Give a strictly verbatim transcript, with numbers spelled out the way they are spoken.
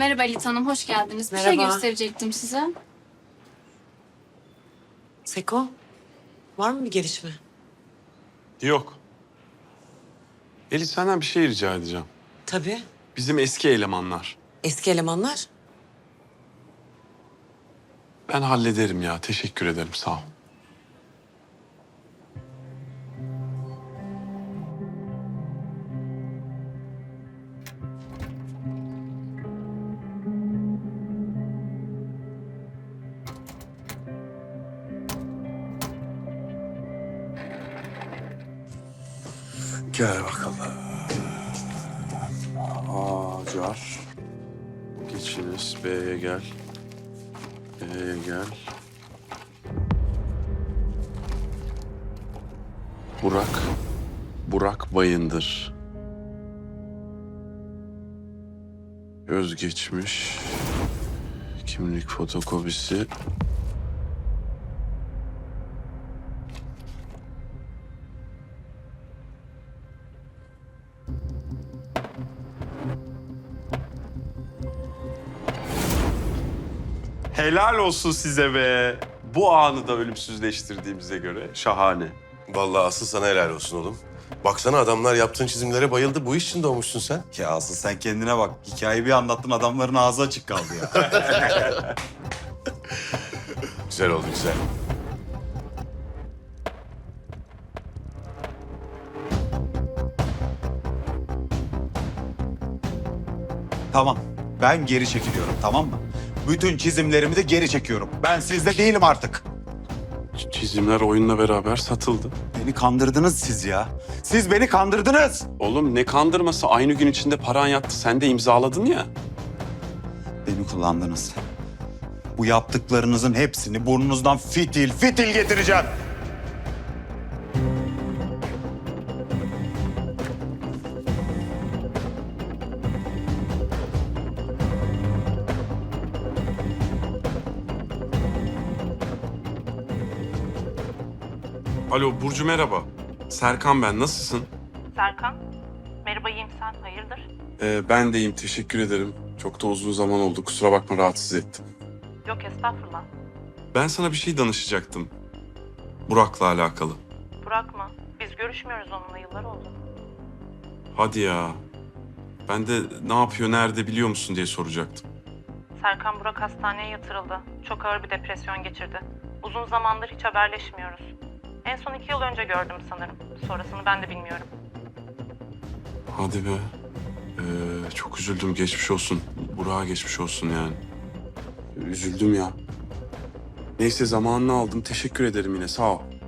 Merhaba Elit Hanım, hoş geldiniz. Bir şey Merhaba. gösterecektim size. Seko, var mı bir gelişme? Yok. Elif senden bir şey rica edeceğim. Tabii. Bizim eski elemanlar. Eski elemanlar. Ben hallederim ya. Teşekkür ederim. Sağ ol. Gel bakalım. Acar. Geçiniz. B'ye gel. B'ye gel. Burak. Burak Bayındır. Özgeçmiş. Kimlik fotokopisi. Helal olsun size be. Bu anı da ölümsüzleştirdiğimize göre şahane. Vallahi asıl sana helal olsun oğlum. Baksana adamlar yaptığın çizimlere bayıldı. Bu iş için doğmuşsun sen. Ya asıl sen kendine bak. Hikayeyi bir anlattın adamların ağzı açık kaldı ya. Güzel oldu güzel. Tamam. Ben geri çekiliyorum, tamam mı? Bütün çizimlerimi de geri çekiyorum. Ben sizde değilim artık. Ç- Çizimler oyunla beraber satıldı. Beni kandırdınız siz ya. Siz beni kandırdınız. Oğlum ne kandırması, aynı gün içinde paran yattı. Sen de imzaladın ya. Beni kullandınız. Bu yaptıklarınızın hepsini burnunuzdan fitil fitil getireceğim. Alo Burcu merhaba. Serkan ben, nasılsın? Serkan, merhaba iyiyim sen, hayırdır? Ee, ben de iyiyim, teşekkür ederim. Çok da uzun zaman oldu, kusura bakma rahatsız ettim. Yok estağfurullah. Ben sana bir şey danışacaktım. Burak'la alakalı. Burak mı? Biz görüşmüyoruz onunla, yıllar oldu. Hadi ya. Ben de ne yapıyor, nerede biliyor musun diye soracaktım. Serkan Burak hastaneye yatırıldı. Çok ağır bir depresyon geçirdi. Uzun zamandır hiç haberleşmiyoruz. En son iki yıl önce gördüm sanırım. Sonrasını ben de bilmiyorum. Hadi be. Ee, çok üzüldüm, geçmiş olsun. Burak'a geçmiş olsun yani. Üzüldüm ya. Neyse zamanını aldım, teşekkür ederim yine, sağ ol.